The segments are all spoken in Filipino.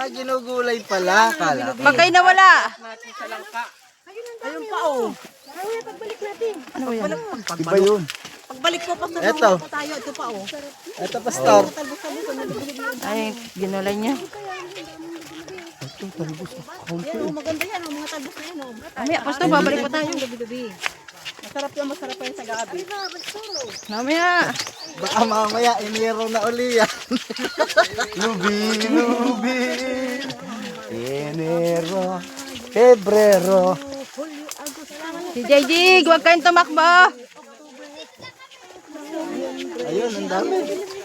Ginugulay pala. Kala. Pagkay nawala. Ayun pa oh. Ay, pagbalik natin. Ano yan? Iba yun. Pagbalik ko pa Eto. tayo, ito pa oh. Ito, pastor. Ay, ginulay niya. Yan oh, maganda yan oh, mga talbos na yan oh. Mamaya, pasto, babalik pa tayo. Gabi-gabi. Masarap yan sa gabi. Mamaya. Baka mamaya, iniro na uli yan. Lubi. Enero. Febrero. Si JJ, huwag kayong tumakbo. Ayun, ang dami.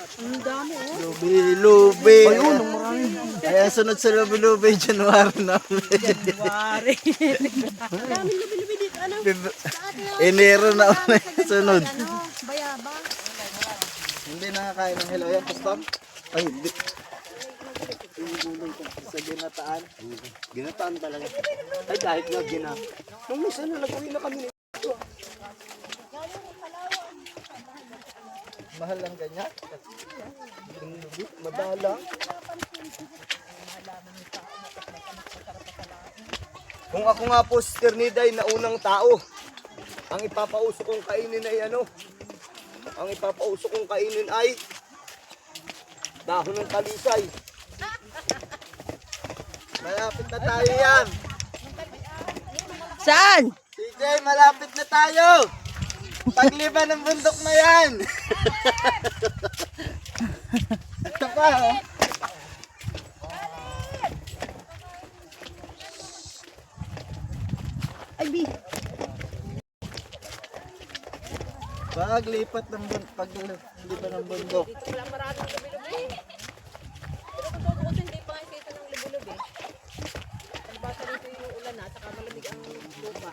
Lubi. Ayun, ang marami. Kaya sunod sa lubi, January na ulit. January. Daming lubi-lubi dito. Ano? Enero na ulit sunod. Bayaba. Hindi nakakain ng hello yan, pastor? Ay, hindi. Sa ginataan. Ginataan talaga. Ay, kahit nga nung minsan na nag-uwi na kami. Mahal lang ganyan. Madalang. Kung ako nga po, Sister Niday, na unang tao, ang ipapauso kong kainin ay ano? Ang ipapauso kong kainin ay dahon ng talisay. Malapit na tayo yan. Saan? CJ, malapit na tayo. Pagliba ng bundok na yan. Ito pa, oh. Ay, bi. Paglipat ng bundok, pagliba ng bundok. Wala maraming lubi-lubi. Pero kung totoo hindi pa nga kita ng lubi-lubi. Nagbasa rito yung ulan na, saka malamig ang lupa.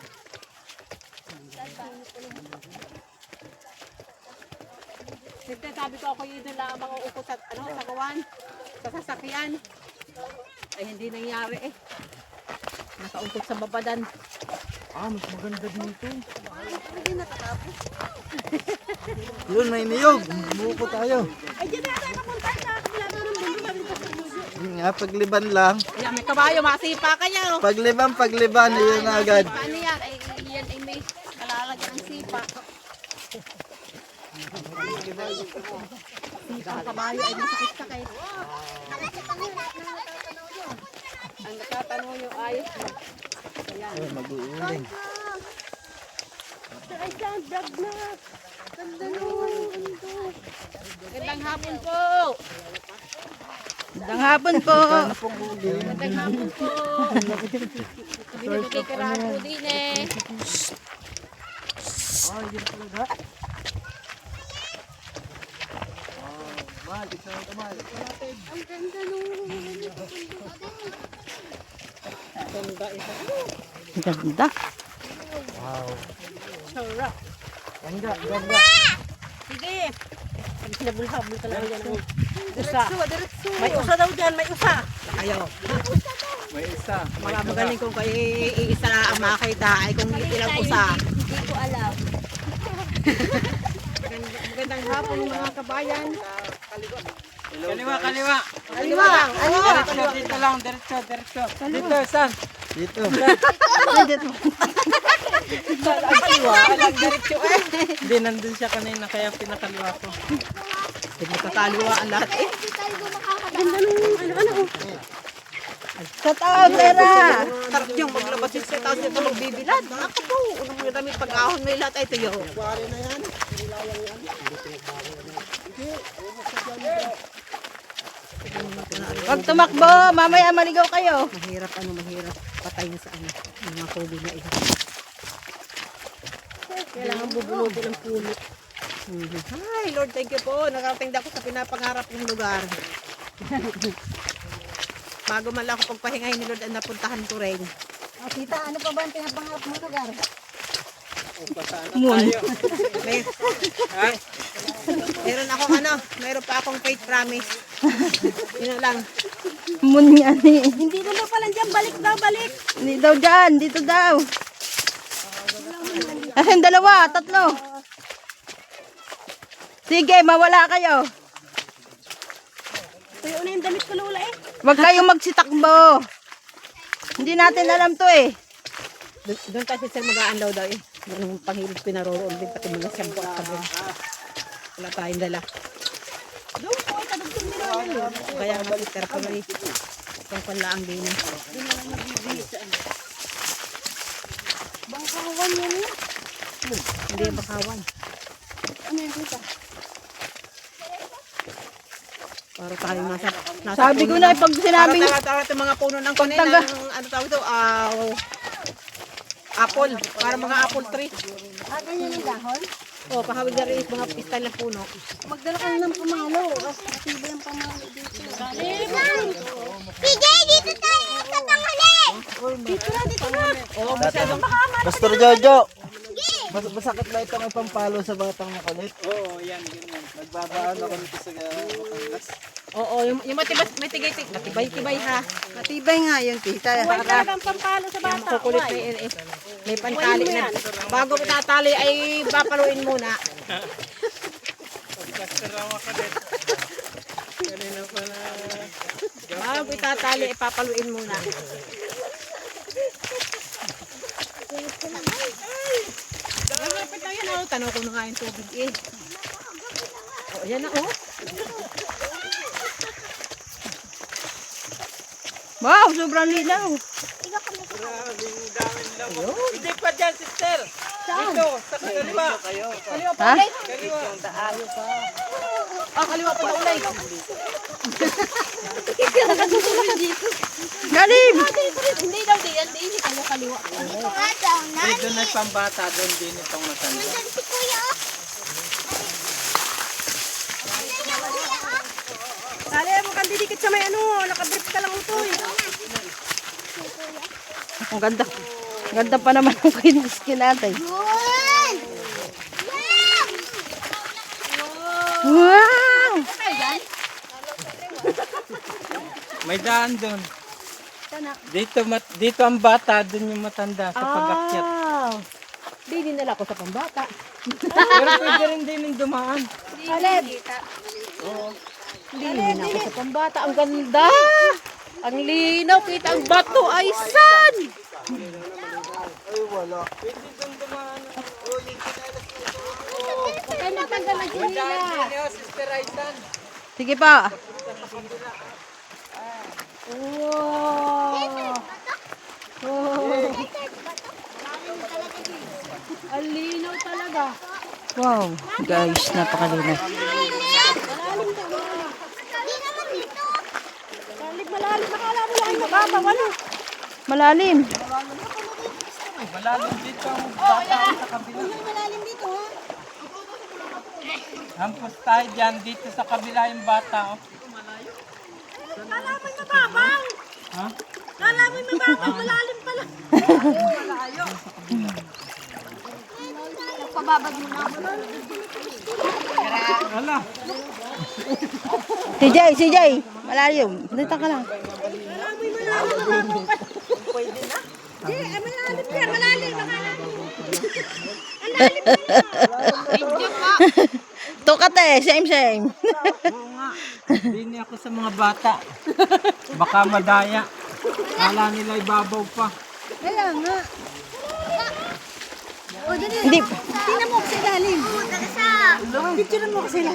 Siyempre, sabi ko ako yun lang ang mga upo sa, sa kawan, sa sasakyan. Ay, hindi nangyari eh. Nakaungkot sa babadan. Mas maganda dito. Hindi natatapos. Yun, may niyog. Buko tayo. Ay, dyan na tayo napunta sa kabila ng mundo. Sabi ko sa mundo. Yun nga, pagliban lang. Ayan, may kabayo, masipa kayo. Pagliban, yun na agad. Paano yan? Ay, yan ay may kalalagyan ng sipa. Sipa ang kabayo ay masakit-sakit. Ang nakatanaw yung ayos. Ayan. Mag-uuling. Ay, saan? Drag na. Ganda nun. Magandang hapon po. Magandang hapon po. Magandang hapon po. Binibigay karahan po din eh. Ang ganda nun. Ganda ito. Ganda. Sarap. Ganda. Sige. Sinabulhabol talaga yan. Usa. May usa daw dyan, may usa. Ayaw. May isa. Mga magaling kung kayo iisa na ang makita ay kung ilang usa. Hindi ko alam. Magandang hapon mga kabayan. Kaliwa. Kaliwa. Diretso, dito lang, diretso. Dito, San. Dito. Kaliwa. Alang diretso eh. Hindi, nandun siya kanina, kaya pinakaliwa ko. Hindi magkakaliwa ang lahat eh. Hindi tayo makakabalik. Ganda nung ano. Shout out, Tera. Sarap yung maglabas yung sa taas nito magbibilad. Ako po, unang may damit pag-ahon may lahat ay tuyo. Huwag tumakbo. Mamaya maligaw kayo. Mahirap patayin sa mga COVID na ito. Kailangan bubunutin ng puno. Hi, Lord, thank you po. Nakarating na ako sa pinapangarap ng lugar. Bago man lang ako pagpahingahin ni Lord, ang napuntahan ko rin. Oh, tita, ano pa ba ang pinapangarap mo lugar? May, meron pa akong faith promise. Yun lang. Mun nga ni. Hindi naman pala dyan, balik. Hindi daw dyan. Dito daw. Asan dalawa? Tatlo. Sige, mawala kayo. Tuyo na yung damit ko, Lola eh. Huwag kayong magsitakbo. Hindi natin alam to eh. Doon tayo sir mag-aanlaw daw eh. Doon yung panghilip pinaroroon din pati mga siyampo at sabon. Wala tayong dala. Doon po, kadugtong nila yun. Kaya nga si Sir Pamari. Itong panlaang din. Bangkawan yan eh. Hindi yung bakawan. Ano yan dito? Para tayo nasa Sabi ko na pag sinabing para tayo yung mga puno ng kunin ng ano tawag ito, apple. Para mga apple tree. Ah, ganyan yung dahon? O, pahawig na rin mga pistal ng puno. Magdala ka ng pamalo. Matibay ang pamalo dito. PJ, dito tayo sa tanghali! Dito na, dito na. Oo, masyadong Pastor Jojo, masakit na itong pampalo sa batang makulit. Oo, yan, ganyan. Nagbabaan ako dito sa Batangas. Oo, yung matibay ha. matibay nga yun, tita. Huwag talagang pampalo sa bata. Kukulit na yun eh. May pantali na. Bago itatali ay papaluin muna. Bago itatali ay papaluin muna. Malapit na yan oh. Tanong ko na nga yung tubig eh. Oh, yan na oh. Wow, sobrang linaw. Hindi pa dyan, sister. Dito, sa kaliwa. Ha? Kaliwa. Ah, kaliwa pa na ulay. Galim! Hindi daw diyan, hindi kaliwa. Ito nga daw, Eh, doon ay pambata, doon din itong matanda. nandun si Kuya. Tali mo kang didikit sa may ano. Nakabrief ka lang utoy. Ang ganda. Ang ganda pa naman ang kiniskin natin. Yun! Wow! May daan doon. Dito ang bata, doon yung matanda sa pag-akyat. Hindi dinala ko sa pambata. Pero pwede rin din yung dumaan. Hindi din ako sa pambata. Ang ganda! Ang linaw. Kita ang bato ay san! Ay, matanggal na ginila. Sister Aisan. Sige pa. Wow! Wow! Ang linaw talaga. Wow, guys, napakalinaw. Malalim. Nakala mo lang yung mababa. Wala. Malalim. Malalim dito ang bata sa kabila. Malalim dito ha. Hampos tayo dyan, dito sa kabila yung bata. Oh. Kala mo yung mababaw. Ha? Kala mo yung mababaw. Malalim pala. Pababad mo na ako. Wala. Si Jay. Malalim. Dito ka lang. Malalim yan. Malalim. Tukate, same. Oo nga. Hindi ako sa mga bata. Baka madaya. Kala nila ibabaw pa. Kaya nga. O, dali. Hindi. Tingnan mo kasi ilalim. Dala sa... Picture mo kasi ilalim.